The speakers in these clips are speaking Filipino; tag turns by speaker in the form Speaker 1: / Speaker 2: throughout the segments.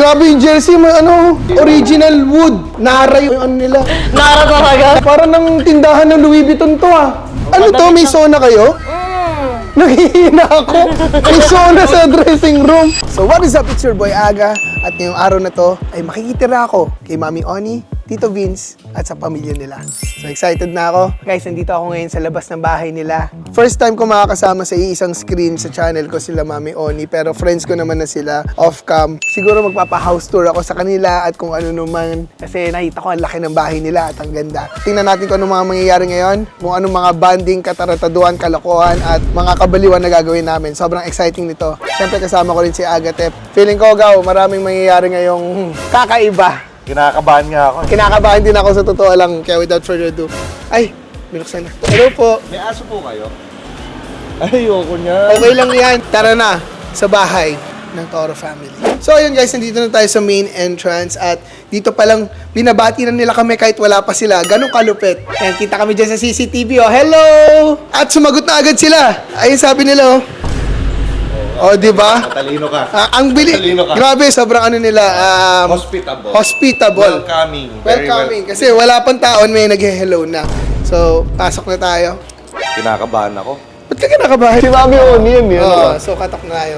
Speaker 1: Grabe yung jersey, may ano, original wood. Nara yung ano nila.
Speaker 2: Nara talaga.
Speaker 1: Parang ng tindahan ng Louis Vuitton to ah. Ano to, may sauna kayo? Naghihina ako. May sauna sa dressing room. So what is up, it's your boy Aga. At ngayong araw na to ay makikitira ako kay Mami Oni, Tito Vince, at sa pamilya nila. So excited na ako. Guys, nandito ako ngayon sa labas ng bahay nila. First time ko makakasama sa iisang screen sa channel ko sila Mami Oni, pero friends ko naman na sila off-cam. Siguro magpapa-house tour ako sa kanila at kung ano naman. Kasi nakita ko ang laki ng bahay nila at ang ganda. Tingnan natin kung anong mga mangyayari ngayon, kung anong mga banding, katarataduan, kalokohan, at mga kabaliwan na gagawin namin. Sobrang exciting nito. Siyempre kasama ko rin si Agatep. Feeling ko, Gaw, maraming mangyayari ngayong kakaiba.
Speaker 3: Kinakabahan nga ako.
Speaker 1: Kinakabahan din ako sa totoo lang, kaya without further ado. Ay, binuksan na. Hello po.
Speaker 3: May aso po kayo? Ayoko niya.
Speaker 1: Okay lang yan. Tara na sa bahay ng Toro family. So ayun guys, nandito na tayo sa main entrance at dito pa lang binabati na nila kami kahit wala pa sila. Ganong kalupit. Ayan, kita kami dyan sa CCTV. Oh, hello! At sumagot na agad sila. Ayun sabi nila, oh. Oh, di ba?
Speaker 3: Matalino ka.
Speaker 1: Ang bili.
Speaker 3: Matalino ka.
Speaker 1: Grabe, sobrang ano nila.
Speaker 3: Hospitable.
Speaker 1: Hospitable.
Speaker 3: Welcoming. Very
Speaker 1: Welcoming. Kasi wala pang taon, may nag-hello na. So, pasok na tayo.
Speaker 3: Kinakabahan ako.
Speaker 1: Ba't ka kinakabahan?
Speaker 3: Si Mami Oni yun eh.
Speaker 1: Oo, so katok na tayo.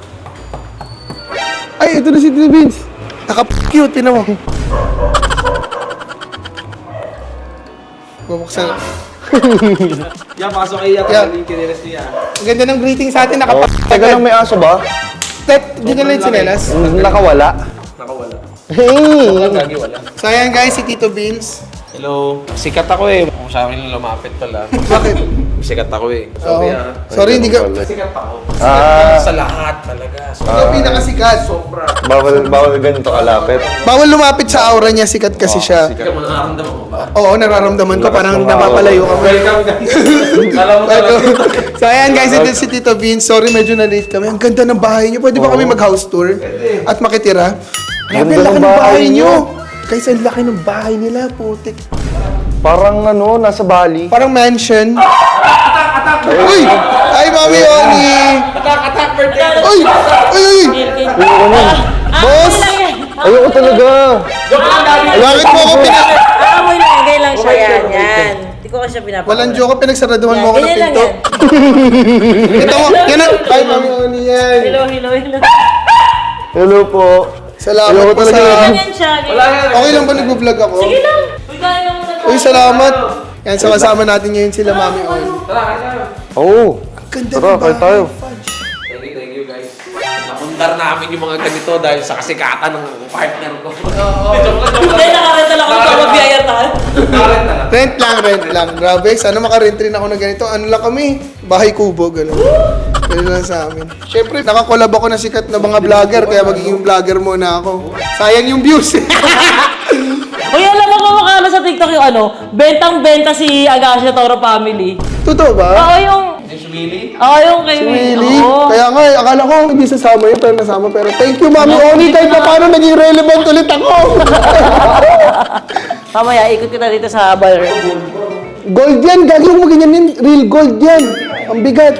Speaker 1: Ay, ito na si Tito Vince. Naka-cute, tinan mo. Bubuksan.
Speaker 4: Yan, pasok kayo
Speaker 1: Yeah.
Speaker 4: yung kinilas niya.
Speaker 1: Ang ganda ng greeting sa atin,
Speaker 3: Oh, teka lang, may aso ba?
Speaker 1: Di ka lang yung sinelas.
Speaker 3: Nakawala.
Speaker 4: Nakawala.
Speaker 3: Hey!
Speaker 4: Lagi wala.
Speaker 1: So ayan guys, si Tito Vince.
Speaker 4: Hello. Sikat ako eh. Kung sa akin lumapit pala.
Speaker 1: Bakit?
Speaker 4: Sikat ako eh.
Speaker 1: Oo.
Speaker 4: Sorry ah.
Speaker 1: Sorry, hindi ka...
Speaker 4: Sikat ako.
Speaker 3: Ah.
Speaker 4: Sa lahat talaga.
Speaker 1: Ikaw pinakasikat.
Speaker 4: Sobra.
Speaker 3: Bawal ganito kalapit.
Speaker 1: Bawal lumapit sa aura niya, sikat kasi siya.
Speaker 4: Ikaw, makaramdaman mo ba?
Speaker 1: Oo, nararamdaman ko, parang napapalayo ka.
Speaker 4: Welcome guys. Alam mo talaga.
Speaker 1: So ayan guys, ito si Tito Vince. Sorry, medyo na-late kami. Ang ganda ng bahay niyo. Pwede ba kami mag-house tour? At makitira? Grabe, ang
Speaker 3: Ganda
Speaker 1: laki
Speaker 3: ng
Speaker 1: ng bahay
Speaker 3: bahay
Speaker 1: niyo. Guys, ang laki ng bahay nila, putik.
Speaker 3: Parang ano, nasa Bali.
Speaker 1: Parang mansion. Uy! Ay, Mami Oni!
Speaker 4: Attack, birthday.
Speaker 1: Uy! Uy! Uy!
Speaker 3: Ayoko na.
Speaker 1: Boss!
Speaker 3: Ayoko talaga.
Speaker 4: Joke lang dami.
Speaker 1: Bakit mo ako
Speaker 2: Amoy lang, lagay lang siya yan. Yan. Hindi ko kasi pinapakita.
Speaker 1: Walang joke, pinagsaraduhan mo ako ng
Speaker 2: Ganyan lang
Speaker 1: pinto.
Speaker 2: yan.
Speaker 1: Ito mo, yan ang... Ay, Mami Oni yan.
Speaker 2: Hello, hello, hello.
Speaker 3: Hello po.
Speaker 1: Salamat
Speaker 3: Ayoko
Speaker 1: po sa...
Speaker 3: talaga.
Speaker 2: Ganyan siya.
Speaker 4: Wala yan.
Speaker 1: Okay lang ba nag-vlog ako?
Speaker 2: Sige lang. Uy, kaya lang muna.
Speaker 1: Uy, salamat. Yan, so kasama natin ngayon sila Mami Oni.
Speaker 4: Tara, kaya.
Speaker 3: Oo.
Speaker 1: Ganda
Speaker 3: Tara,
Speaker 1: ng
Speaker 3: kain tayo.
Speaker 1: Fudge.
Speaker 4: Thank you guys. Napundar namin yung mga ganito dahil sa kasikatan ng partner ko.
Speaker 2: Hindi, nakarenta lang ako ito magbiyayatan.
Speaker 1: Rent lang. Grabe, sana makarent rin ako ng ganito. Ano lang kami? Bahay kubo, gano'n. Gano'n lang sa amin. Siyempre, nakakolab ako na sikat na mga vlogger, kaya magiging vlogger muna ako. Sayang yung views.
Speaker 2: Uy, alam mo kung makano sa TikTok yung ano, bentang-benta si Agasha Toro Family.
Speaker 1: Totoo ba?
Speaker 2: Oo, yung...
Speaker 4: Willie?
Speaker 2: Oo, yung kay
Speaker 1: Really?
Speaker 2: Oo.
Speaker 1: Kaya nga, akala ko hindi sasama yun, pero nasama. Pero thank you, Mami Oni, kahit pa paano naging relevant ulit ako.
Speaker 2: Mamaya, ikot kita dito sa bar.
Speaker 1: Gold yan, gagawin mo ganyan yan. Real gold yan. Ang bigat.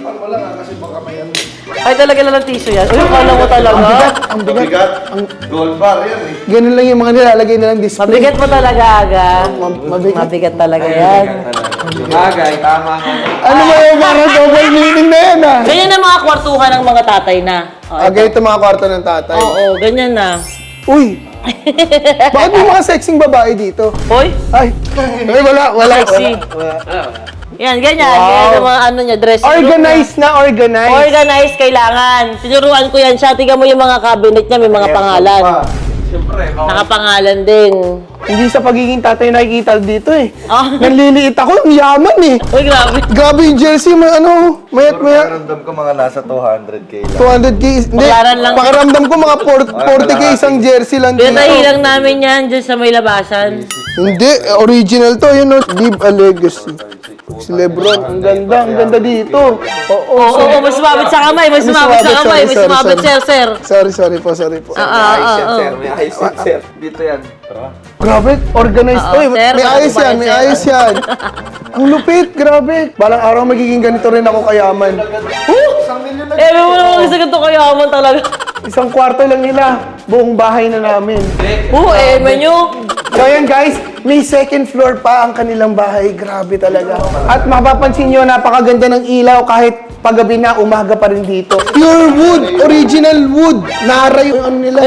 Speaker 2: Ay, talaga lang ng tissue yan. Uy, kala mo talaga.
Speaker 1: Ang bigat.
Speaker 3: Mabigat. Gold bar yan eh.
Speaker 1: Ganun lang yung mga nilalagay nilang display.
Speaker 2: Mabigat mo talaga, Aga.
Speaker 1: Mabigat.
Speaker 2: Mabigat talaga yan.
Speaker 4: Bagay, tama ka.
Speaker 1: Ano ba yung parang double meaning na yan ah?
Speaker 2: Ganyan ang mga kwartuhan ng mga tatay na. Oh,
Speaker 1: Ah, ganito mga kwarto ng tatay.
Speaker 2: Oo, ganyan na.
Speaker 1: Uy! Bakit may mga sexing babae dito?
Speaker 2: Hoy,
Speaker 1: Ay! Ay, wala.
Speaker 2: sexy. Yan, ganyan. Ganyan ang mga ano niya, dressing room
Speaker 1: Organized na,
Speaker 2: niya.
Speaker 1: organized.
Speaker 2: Organized kailangan. Tinuruan ko yan siya. Tingnan mo yung mga cabinet niya, may mga pangalan.
Speaker 4: Siyempre,
Speaker 2: Nakapangalan din.
Speaker 1: Hindi sa pagiging tatay nakikita dito eh.
Speaker 2: Ah.
Speaker 1: Nanliliit ako, ang yaman eh.
Speaker 2: Uy, grabe.
Speaker 1: Grabe yung jersey, may ano, mayat.
Speaker 3: Pakiramdam ko mga nasa 200k lang.
Speaker 1: 200k. Hindi,
Speaker 2: Baklaran lang.
Speaker 1: pakiramdam ko mga 40k isang jersey lang dito.
Speaker 2: Pinatahilang namin yan dyan sa may labasan.
Speaker 1: Hindi, original to, yun no. Leave a legacy. Si Lebron, ang ganda dito.
Speaker 2: Oo, may sumabit sa kamay, may sumabit sa kamay, may sumabit, sir.
Speaker 1: Sorry po.
Speaker 4: may ayos yan, sir. Dito yan.
Speaker 1: Grabe, organized to eh.
Speaker 2: sir,
Speaker 1: May ayos yan, may
Speaker 2: sir.
Speaker 1: ayos yan. Ang lupit, grabe. Balang araw magiging ganito rin ako kayaman.
Speaker 2: Eh, may mo naman sa ganito kayaman talaga.
Speaker 1: Isang kwarto lang nila. buong bahay na namin.
Speaker 2: menu.
Speaker 1: So ayan guys, may second floor pa ang kanilang bahay. Grabe talaga. At mapapansin nyo, napakaganda ng ilaw kahit paggabi na, umaga pa rin dito. Pure wood, original wood. Nara yung ano nila.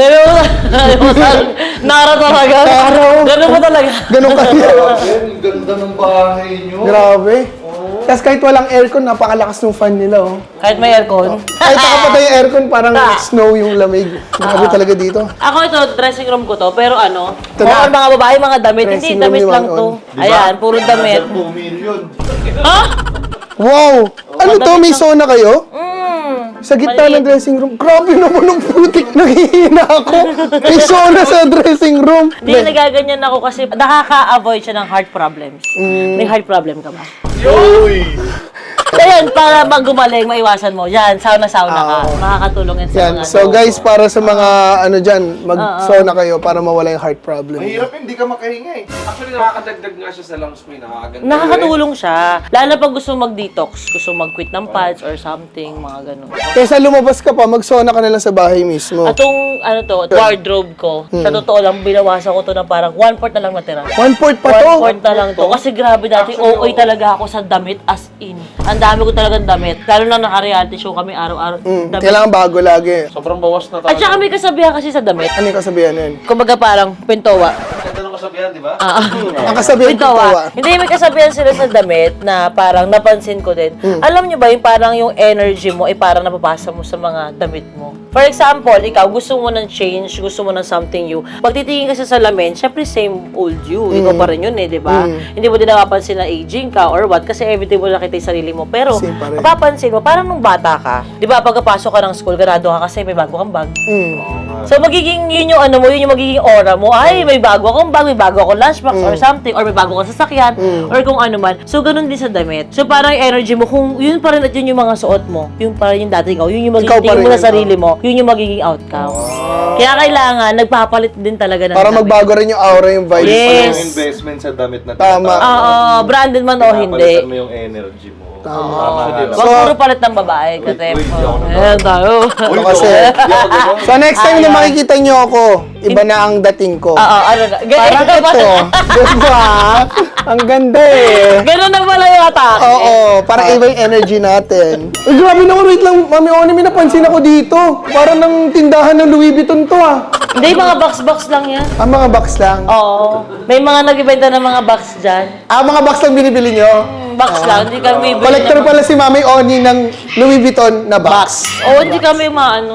Speaker 2: Nara talaga.
Speaker 1: Nara.
Speaker 2: Ganun ba talaga?
Speaker 1: Ganun kaya.
Speaker 3: Ang ganda ng bahay nyo.
Speaker 1: Grabe. Tapos kahit walang aircon, napakalakas ng fan nila, oh.
Speaker 2: Kahit may aircon.
Speaker 1: Kahit nakapatay yung aircon, parang snow yung lamig. Grabe talaga dito.
Speaker 2: Ako ito, dressing room ko to, pero ano,
Speaker 1: Ito na.
Speaker 2: mga babae, mga damit.
Speaker 1: Dressing
Speaker 2: Hindi,
Speaker 1: room
Speaker 2: damit
Speaker 1: ni
Speaker 2: lang
Speaker 1: Juan
Speaker 2: to.
Speaker 1: On.
Speaker 2: Ayan, puro damit.
Speaker 3: 2 million.
Speaker 2: Ha?
Speaker 1: Wow! Ano to? May sauna kayo?
Speaker 2: Mm.
Speaker 1: Sa gitna ng dressing room. Grabe naman ang putik. Nangihina ako. May sauna sa dressing room.
Speaker 2: Hindi, nagaganyan ako kasi nakaka-avoid siya ng heart problems. May heart problem ka ba?
Speaker 3: Uy!
Speaker 2: Ayan, para gumaling, maiwasan mo. Yan, sauna-sauna ka.
Speaker 1: Oo.
Speaker 2: Makakatulong yan sa
Speaker 1: Yan.
Speaker 2: mga
Speaker 1: So guys, para sa mga ano dyan, mag-sauna kayo para mawala yung heart problem.
Speaker 3: Mahirap hindi ka makahinga eh.
Speaker 4: Actually, nakakadagdag nga siya sa lungs mo. Nakakaganda.
Speaker 2: Nakakatulong siya. Lalo pag gusto mag-detox, gusto mag-quit ng pads or something, mga ganun.
Speaker 1: Kesa lumabas ka pa, mag-sauna ka na lang sa bahay mismo.
Speaker 2: Atong, ano to, wardrobe ko, sa totoo lang, binawasan ko to ng parang 1/4 na lang natira.
Speaker 1: 1/4 pa to.
Speaker 2: 1/4 na lang to. Kasi grabe dati, OA talaga ako sa damit as in. Ang dami ko talagang damit. Lalo na naka-reality show kami araw-araw. Damit.
Speaker 1: Kailangan bago lagi.
Speaker 4: Sobrang bawas na
Speaker 2: At saka may kasabihan kasi sa damit.
Speaker 1: Ano yung kasabihan nun?
Speaker 2: Kumbaga parang pintowa.
Speaker 3: Ganda ng kasabihan, di ba?
Speaker 1: Ang kasabihan ko tawa.
Speaker 2: Hindi, may kasabihan sila sa damit na parang napansin ko din. Alam nyo ba yung parang yung energy mo ay parang napapasa mo sa mga damit mo. For example, ikaw gusto mo ng change, gusto mo ng something new. Pag titingin ka sa salamin, syempre same old you. Ikaw pa rin yun eh, di ba? Hindi mo din napapansin na aging ka or what kasi everyday mo nakita yung sarili mo. Pero
Speaker 1: Same pa rin.
Speaker 2: mapapansin mo, parang nung bata ka, di ba pagkapasok ka ng school, ganado ka kasi may bago kang bag. So magiging yun yung ano mo, yun yung magiging aura mo. Ay, may bago akong bag, may bago akong lunchbox or something, or may bago akong sasakyan, or kung ano man. So ganun din sa damit. So parang yung energy mo, kung yun pa rin at yun yung mga suot mo, yun pa rin yung dati ikaw, yun yung
Speaker 1: Ikaw pa
Speaker 2: magiging
Speaker 1: rin
Speaker 2: mo sa
Speaker 1: yun,
Speaker 2: sarili mo, yun yung magiging outcome. Kaya kailangan, nagpapalit din talaga ng
Speaker 1: Para
Speaker 2: damit.
Speaker 1: magbago rin yung aura, yung vibes.
Speaker 2: Yes.
Speaker 3: Yung investment sa damit na
Speaker 1: Tama.
Speaker 2: Oo, branded man o hindi.
Speaker 3: Pinapalitan mo yung energy mo.
Speaker 1: Tama.
Speaker 2: Wag puro palit ng babae, katep. Ayan tayo.
Speaker 1: Ito kasi. So next time na makikita nyo ako, iba na ang dating ko.
Speaker 2: Oo, ano na.
Speaker 1: Parang ito. Diba? Ang ganda eh.
Speaker 2: Ganun na pala yung atake.
Speaker 1: Oo, parang iba yung energy natin. Ay, grabe naman, wait lang. Mami Oni, may napansin ako dito. Parang ng tindahan ng Louis Vuitton to ah.
Speaker 2: Hindi, mga box-box lang yan.
Speaker 1: Mga box lang.
Speaker 2: Oo. May mga nagbibenta ng mga box dyan.
Speaker 1: Mga box lang binibili nyo?
Speaker 2: Box lang, hindi kami bibili
Speaker 1: Collector
Speaker 2: ng-
Speaker 1: pala si Mami Oni ng Louis Vuitton na box.
Speaker 2: Oo, hindi kami maano.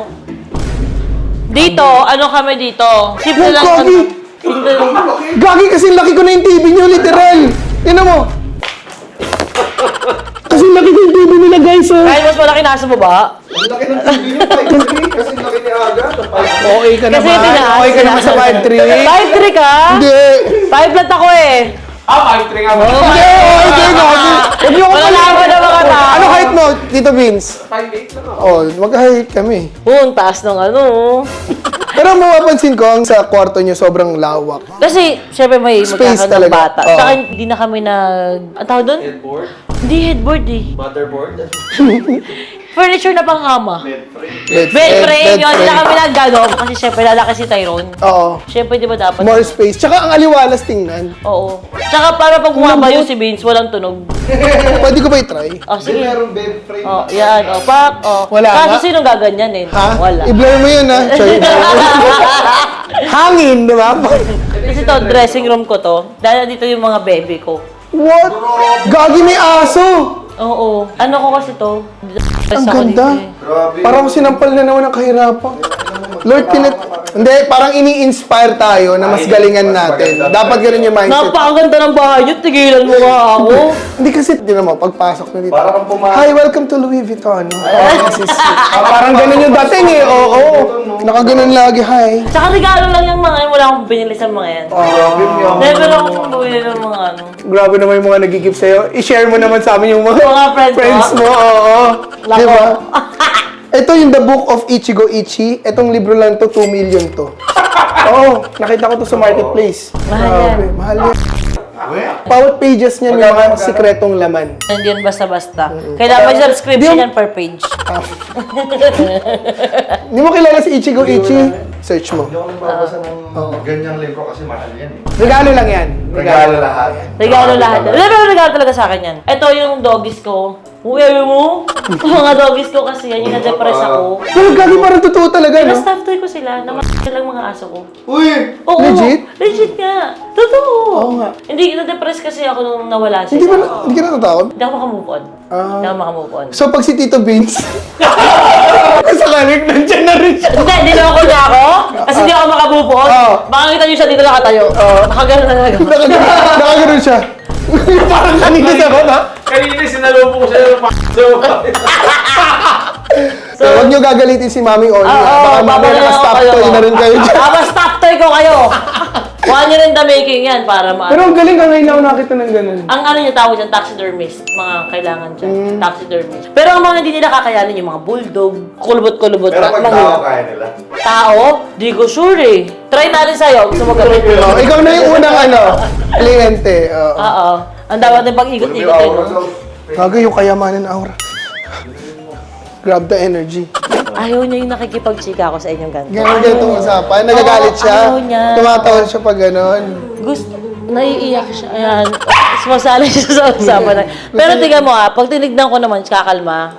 Speaker 2: Dito, ano kami dito? Simple
Speaker 1: Yung
Speaker 2: lang.
Speaker 1: coffee!
Speaker 2: Simple lang.
Speaker 1: Gagi kasi laki ko na yung TV nyo, literal. Tingnan mo. Kasi laki ko yung TV nila, guys. Oh.
Speaker 2: Kahit mas malaki nasa baba.
Speaker 3: Ang laki ng TV nyo, 5'3", kasi laki ni Aga.
Speaker 1: Okay ka
Speaker 2: Kasi
Speaker 1: naman.
Speaker 2: tinaas
Speaker 1: Okay ka naman sa 5'3".
Speaker 2: 5'3 ka?
Speaker 1: Hindi.
Speaker 2: 5 flat ako eh.
Speaker 4: 5'3" nga ba?
Speaker 1: Hindi, okay, gagi. Huwag niyo ako
Speaker 2: Wala naman na mga tao.
Speaker 1: Ano height mo, Tito Vince?
Speaker 4: 5'8" lang ako.
Speaker 1: Oh, mag-height kami.
Speaker 2: Ang taas ng ano.
Speaker 1: Pero mapapansin ko, ang sa kwarto nyo sobrang lawak.
Speaker 2: Kasi, syempre may
Speaker 1: Space
Speaker 2: magkakaroon ng
Speaker 1: talaga.
Speaker 2: bata.
Speaker 1: Oo.
Speaker 2: Tsaka hindi na kami ang tawag doon?
Speaker 4: Headboard?
Speaker 2: Hindi headboard eh.
Speaker 4: Motherboard?
Speaker 2: Furniture na pangkama.
Speaker 1: Bed
Speaker 2: Bed frame yun. Hindi na
Speaker 1: frame.
Speaker 2: kami nagano. Kasi syempre lalaki si Tyrone.
Speaker 1: Oo.
Speaker 2: Syempre di ba dapat?
Speaker 1: More space. Tsaka ang aliwalas tingnan.
Speaker 2: Oo. Tsaka para pag bumaba yung si Vince, walang tunog.
Speaker 1: Pwede ko ba i-try?
Speaker 2: Oh, sige.
Speaker 3: Meron bed frame.
Speaker 2: Oh, yan. Oh, pak. Oh.
Speaker 1: Wala
Speaker 2: Kaso
Speaker 1: nga.
Speaker 2: sinong gaganyanin?
Speaker 1: Ha?
Speaker 2: Wala.
Speaker 1: I-blur mo yun, ha? Choy. Hangin, di ba?
Speaker 2: Kasi to, dressing room ko to. Dahil dito yung mga baby ko.
Speaker 1: What? Gagi, may aso!
Speaker 2: Oo. Ano ko kasi to?
Speaker 1: Ang
Speaker 2: Ako
Speaker 1: ganda.
Speaker 2: dito eh.
Speaker 3: Grabe.
Speaker 1: Parang sinampal na naman ang kahirapan. Lord, Hindi, parang ini-inspire tayo na mas galingan natin. Dapat ganun yung mindset.
Speaker 2: Napakaganda ng bahay nyo. Tigilan mo nga ako.
Speaker 1: Hindi kasi, di naman, pagpasok na dito.
Speaker 3: Parang kang pumasok.
Speaker 1: Hi, welcome to Louis Vuitton. Parang ganun yung dating eh. Oo. Nakaganon lagi, hi.
Speaker 2: Tsaka regalo lang yung mga yan. Wala akong binili sa mga yan.
Speaker 3: Grabe niya.
Speaker 2: Never akong bumili ng mga ano.
Speaker 1: Grabe naman yung mga nag-gift sa'yo. I-share mo naman sa amin yung mga,
Speaker 2: Mga friends
Speaker 1: mo. Oo.
Speaker 2: Lako.
Speaker 1: Di ba? Ito yung The Book of Ichigo Ichi. Itong libro lang to, 2 million to. Oo, nakita ko to sa marketplace.
Speaker 2: Mahal yan.
Speaker 1: Grabe, mahal yan. Bawat pages niya may mga sikretong laman.
Speaker 2: Hindi yan basta-basta. Kailangan may subscription yan per page.
Speaker 1: Hindi mo kilala si Ichigo Ichi? search mo.
Speaker 3: Hindi ako nagbabasa ng ganyang libro kasi mahal yan eh.
Speaker 1: Regalo lang yan.
Speaker 3: Regalo lahat.
Speaker 2: Regalo lahat. Pero regalo talaga sa akin yan. Ito yung doggies ko. Uwi mo? Mga doggies ko kasi yan, yung na-depress ako.
Speaker 1: Pero gagi parang totoo talaga, no?
Speaker 2: Pero-staff toy ko sila, naman lang mga aso ko.
Speaker 3: Uy!
Speaker 2: Oo,
Speaker 1: Legit?
Speaker 2: Legit nga. Totoo.
Speaker 1: Oo nga.
Speaker 2: Hindi, na-depress kasi ako nung nawala
Speaker 1: Hindi
Speaker 2: sila.
Speaker 1: ka natatakot?
Speaker 2: Hindi ako makamove on. Hindi ako makamove on.
Speaker 1: So, pag si Tito Vince, sakaling nandiyan na rin siya.
Speaker 2: Hindi, niloko niya ako. Kasi hindi ako makamove on.
Speaker 1: Oo.
Speaker 2: Baka kita niyo siya dito nakatayo. Nakagano na nagawa.
Speaker 1: Nakagano'n siya. Parang kanina sa baba.
Speaker 4: Kanina sinalubong ko siya ng
Speaker 1: So, huwag niyo gagalitin si Mami Oni. Baka mamaya naka-stop toy na rin kayo dyan.
Speaker 2: Stop toy ko kayo. Kuha niyo rin the making yan para
Speaker 1: Pero ang galing ka ngayon ako nakita ng ganun.
Speaker 2: Ang ano niya tawag dyan, taxidermist. Mga kailangan dyan, taxidermist. Pero ang mga hindi nila kakayanin, yung mga bulldog, kulubot-kulubot.
Speaker 3: Pero pag
Speaker 2: mga-
Speaker 3: tao kaya nila.
Speaker 2: Tao? Di ko sure eh. Try natin sa'yo. Gusto mo gawin?
Speaker 1: Oh, ikaw na yung unang kliyente.
Speaker 2: Oo. Ang dapat din pag-ikot-ikot eh, no?
Speaker 1: Gaga yung kayamanan ng aura. Grab the energy.
Speaker 2: Ayaw niya yung nakikipag-chika ako sa inyong ganito.
Speaker 1: Ganun ganitong usapan. Nagagalit siya.
Speaker 2: Ayaw niya.
Speaker 1: Tumatawa siya pag gano'n.
Speaker 2: Gusto, naiiyak siya. Ayan. Sumasali siya sa usapan. Pero tingnan mo pag tinignan ko naman, kakalma.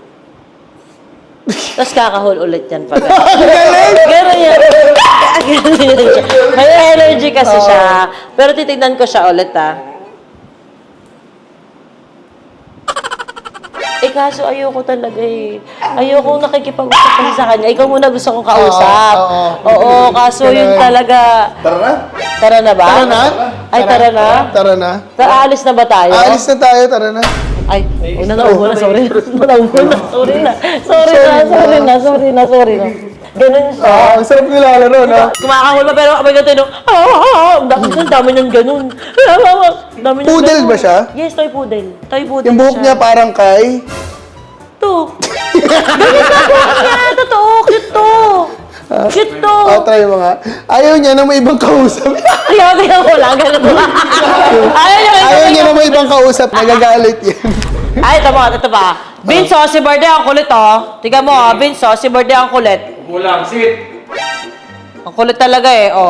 Speaker 2: Tapos kakahol ulit yan pag Gano'n yan. Gano'n yan siya. May energy kasi siya. Pero titignan ko siya ulit kaso ayoko talaga eh. Ayoko nakikipag-usap kasi sa kanya. Ikaw muna gusto kong kausap. Oo, kaso yun talaga.
Speaker 3: Tara na!
Speaker 2: Tara na ba?
Speaker 1: Tara na?
Speaker 2: Ay, tara na?
Speaker 1: Tara na.
Speaker 2: Aalis na ba tayo?
Speaker 1: Aalis na tayo, tara na.
Speaker 2: Ay, naubo na, sorry. Naubo na, sorry na. Sorry na. Ganun siya.
Speaker 1: Ang sarap nilalaro, no?
Speaker 2: Kumakahol pa pero kapag ganito, ang dami niyang ganun. Dami niyang
Speaker 1: Poodle
Speaker 2: ganun.
Speaker 1: ba siya?
Speaker 2: Yes, toy poodle. Toy poodle
Speaker 1: Yung buhok
Speaker 2: siya.
Speaker 1: niya parang kay...
Speaker 2: To. Ganun na buhok niya. Totoo, cute to. Cute to.
Speaker 1: Try mo nga. Ayaw niya na may ibang kausap.
Speaker 2: Ayaw ko lang, ganun ba?
Speaker 1: Ayaw niya na may ibang kausap. Nagagalit yan.
Speaker 2: Ay, ito pa. Vince, si Berde ang kulit, Tingnan mo, Vince, si Berde ang kulit.
Speaker 4: Kulang, sit!
Speaker 2: Ang kulit talaga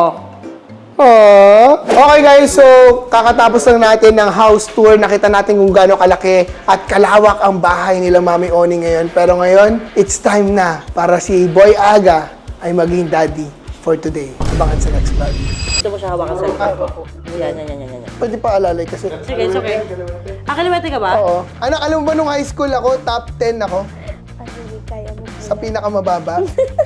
Speaker 1: Aww. Okay guys, so kakatapos lang natin ng house tour. Nakita natin kung gaano kalaki at kalawak ang bahay nila Mami Oni ngayon. Pero ngayon, it's time na para si Boy Aga ay maging daddy for today. Abangan sa next vlog.
Speaker 2: Ito mo siya hawakan sa'yo. Yan.
Speaker 1: Pwede pa alalay kasi...
Speaker 2: Sige, it's okay. Kalimete ka ba?
Speaker 1: Oo. Anak, alam mo ba nung high school ako, top 10 ako?
Speaker 5: Hindi kaya mo.
Speaker 1: Sa pinakamababa.